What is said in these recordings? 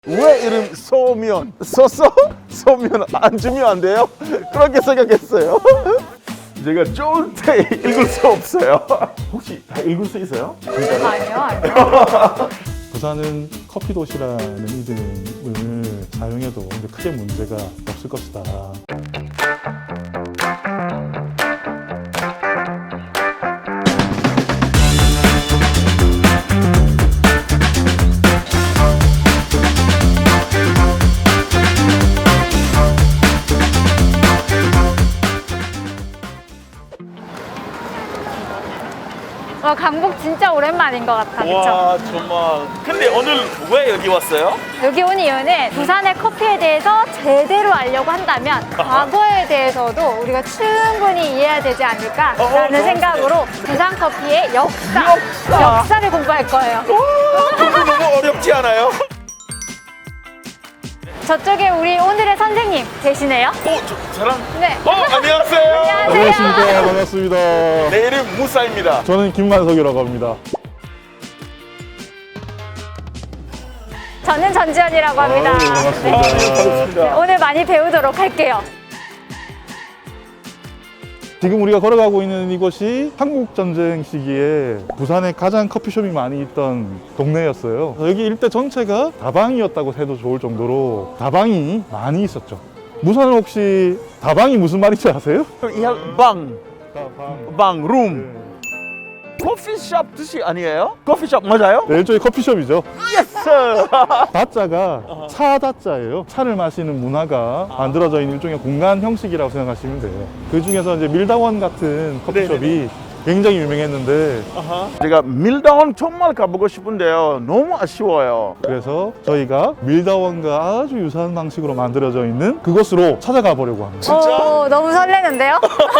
왜 이름 소면? 소면 안 주면 안 돼요? 그렇게 생각했어요. 제가 좋을 때 읽을 수 없어요. 혹시 다 읽을 수 있어요? 아니요. 부산은 커피 도시라는 이름을 사용해도 이제 크게 문제가 없을 것이다. 와, 강북 진짜 오랜만인 것 같아, 그쵸? 와 정말. 근데 오늘 왜 여기 왔어요? 여기 온 이유는 부산의 커피에 대해서 제대로 알려고 한다면 과거에 대해서도 우리가 충분히 이해해야 되지 않을까라는 생각으로 부산 커피의 역사를 공부할 거예요. 그거 너무 어렵지 않아요? 저쪽에 우리 오늘의 선생님 계시네요. 저랑? 네. 안녕하세요. 안녕하십니까. 반갑습니다. 내 이름 무사입니다. 저는 김만석이라고 합니다. 저는 전지현이라고 합니다. 네, 반갑습니다. 반갑습니다. 오늘 많이 배우도록 할게요. 지금 우리가 걸어가고 있는 이곳이 한국전쟁 시기에 부산에 가장 커피숍이 많이 있던 동네였어요. 여기 일대 전체가 다방이었다고 해도 좋을 정도로 다방이 많이 있었죠. 무산은 혹시 다방이 무슨 말인지 아세요? 방, 다방. 룸. 커피숍 뜻이 아니에요? 커피숍 맞아요? 네, 일종의 커피숍이죠. 예스! 다자가 차다자예요. 차를 마시는 문화가 만들어져 있는 일종의 공간 형식이라고 생각하시면 돼요. 그 중에서 이제 밀다원 같은 커피숍이 굉장히 유명했는데 제가 밀다운 정말 가보고 싶은데요. 너무 아쉬워요. 그래서 저희가 밀다원과 아주 유사한 방식으로 만들어져 있는 그곳으로 찾아가 보려고 합니다. 진짜? 너무 설레는데요?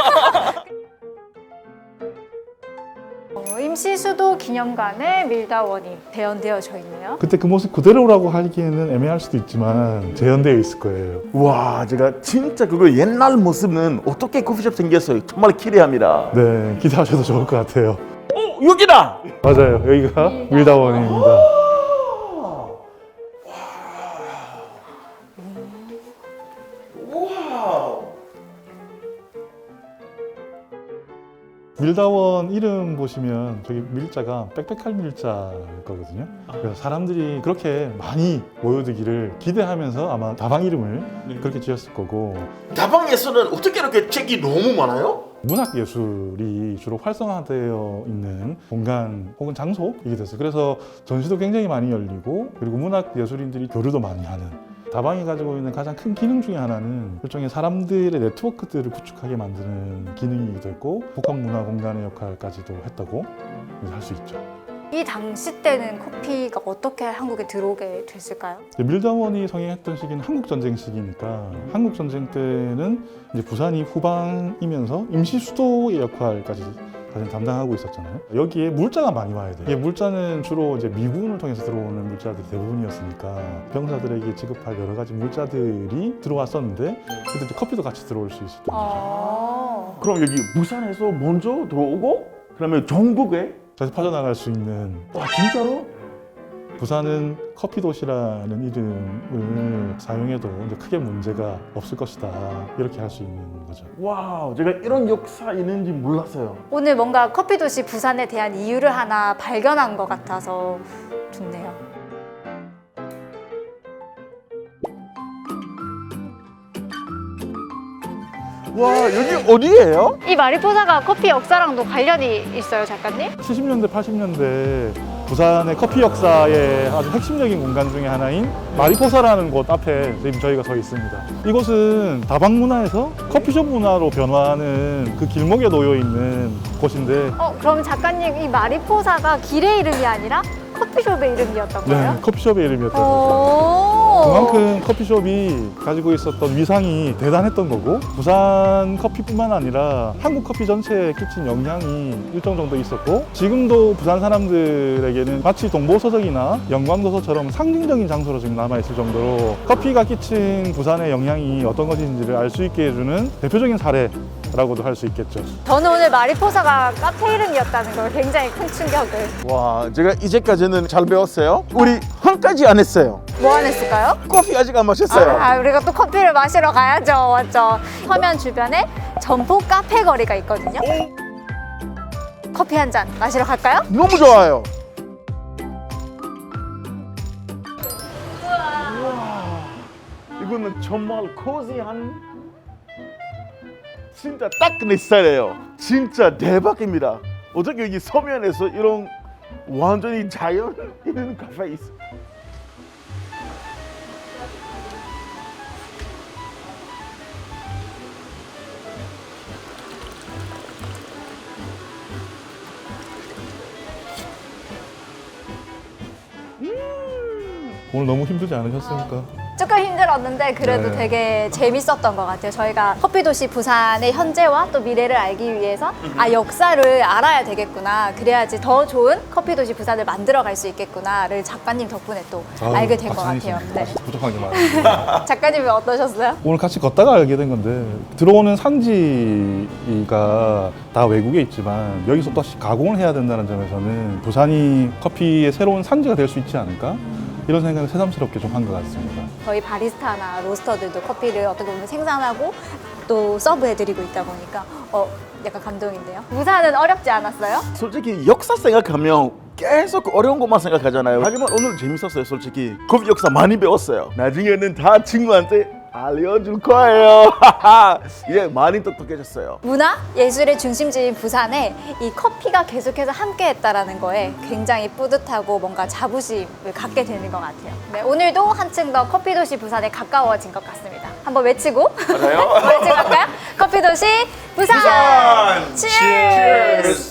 임시수도 기념관에 밀다원이 대연되어져 있네요. 그때 그 모습 그대로라고 하기에는 애매할 수도 있지만 재현되어 있을 거예요. 와, 제가 진짜 그거 옛날 모습은 어떻게 커피숍 생겼어요? 정말 기대합니다. 네, 기대하셔도 좋을 것 같아요. 여기다! 맞아요. 여기가 밀다원입니다. 밀다원 이름 보시면 저기 밀자가 빽빽할 밀자일 거거든요. 그래서 사람들이 그렇게 많이 모여들기를 기대하면서 아마 다방 이름을 그렇게 지었을 거고, 다방에서는 어떻게 이렇게 책이 너무 많아요? 문학예술이 주로 활성화되어 있는 공간 혹은 장소이게 됐어요. 그래서 전시도 굉장히 많이 열리고, 그리고 문학예술인들이 교류도 많이 하는, 다방이 가지고 있는 가장 큰 기능 중에 하나는 일종의 사람들의 네트워크들을 구축하게 만드는 기능이기도 했고, 복합문화 공간의 역할까지도 했다고 할 수 있죠. 이 당시 때는 커피가 어떻게 한국에 들어오게 됐을까요? 밀다원이 성행했던 시기는 한국전쟁 시기니까, 한국전쟁 때는 이제 부산이 후방이면서 임시 수도의 역할까지 사실 담당하고 있었잖아요. 여기에 물자가 많이 와야 돼요. 이게 물자는 주로 이제 미군을 통해서 들어오는 물자들이 대부분이었으니까 병사들에게 지급할 여러 가지 물자들이 들어왔었는데, 그때 이제 커피도 같이 들어올 수 있었던 거죠. 그럼 여기 부산에서 먼저 들어오고 그러면 전국에? 다시 퍼져나갈 수 있는. 와, 진짜로? 부산은 커피 도시라는 이름을 사용해도 이제 크게 문제가 없을 것이다, 이렇게 할 수 있는 거죠. 와우, 제가 이런 역사 있는지 몰랐어요. 오늘 뭔가 커피 도시 부산에 대한 이유를 하나 발견한 것 같아서 좋네요. 와, 여기 어디예요? 이 마리포사가 커피 역사랑도 관련이 있어요, 작가님? 70년대, 80년대 부산의 커피 역사의 아주 핵심적인 공간 중에 하나인 마리포사라는 곳 앞에 지금 저희가 서 있습니다. 이곳은 다방 문화에서 커피숍 문화로 변화하는 그 길목에 놓여 있는 곳인데, 그럼 작가님 이 마리포사가 길의 이름이 아니라 커피숍의 이름이었던 거예요? 커피숍의 이름이었던 거죠. 오. 그만큼 커피숍이 가지고 있었던 위상이 대단했던 거고, 부산 커피뿐만 아니라 한국 커피 전체에 끼친 영향이 일정 정도 있었고, 지금도 부산 사람들에게는 마치 동보서적이나 영광도서처럼 상징적인 장소로 지금 남아있을 정도로 커피가 끼친 부산의 영향이 어떤 것인지를 알 수 있게 해주는 대표적인 사례 라고도 할 수 있겠죠. 저는 오늘 마리포사가 카페 이름이었다는 걸 굉장히 큰 충격을. 와, 제가 이제까지는 잘 배웠어요. 우리 한 가지 안 했어요. 뭐 안 했을까요? 커피 아직 안 마셨어요. 아, 우리가 또 커피를 마시러 가야죠. 맞죠? 서면 주변에 점포 카페 거리가 있거든요. 커피 한 잔 마시러 갈까요? 너무 좋아요. 이거는 정말 코지한 진짜 딱 내 스타일이에요. 진짜 대박입니다. 어떻게 여기 서면에서 이런 완전히 자연 있는 카페 있어? 오늘 너무 힘들지 않으셨습니까? 조금 힘들었는데 그래도 네. 되게 재밌었던 것 같아요. 저희가 커피도시 부산의 현재와 또 미래를 알기 위해서 역사를 알아야 되겠구나. 그래야지 더 좋은 커피도시 부산을 만들어갈 수 있겠구나를 작가님 덕분에 또 알게 된 것 같아요. 네. 부족한 게 많아요. 작가님은 어떠셨어요? 오늘 같이 걷다가 알게 된 건데 들어오는 산지가 다 외국에 있지만 여기서 또 가공을 해야 된다는 점에서는 부산이 커피의 새로운 산지가 될 수 있지 않을까? 이런 생각을 새삼스럽게 좀 한 것 같습니다. 저희 바리스타나 로스터들도 커피를 어떻게 보면 생산하고 또 서브해드리고 있다 보니까 약간 감동인데요. 부산은 어렵지 않았어요? 솔직히 역사 생각하면 계속 어려운 것만 생각하잖아요. 하지만 오늘 재밌었어요. 솔직히 커피 역사 많이 배웠어요. 나중에는 다 친구한테 알려줄 거예요. 이제 많이 똑똑해졌어요. 문화, 예술의 중심지인 부산에 이 커피가 계속해서 함께했다라는 거에 굉장히 뿌듯하고 뭔가 자부심을 갖게 되는 것 같아요. 네, 오늘도 한층 더 커피도시 부산에 가까워진 것 같습니다. 한번 외치고 맞아요? 외치고 갈까요? 커피도시 부산! 부산! Cheers!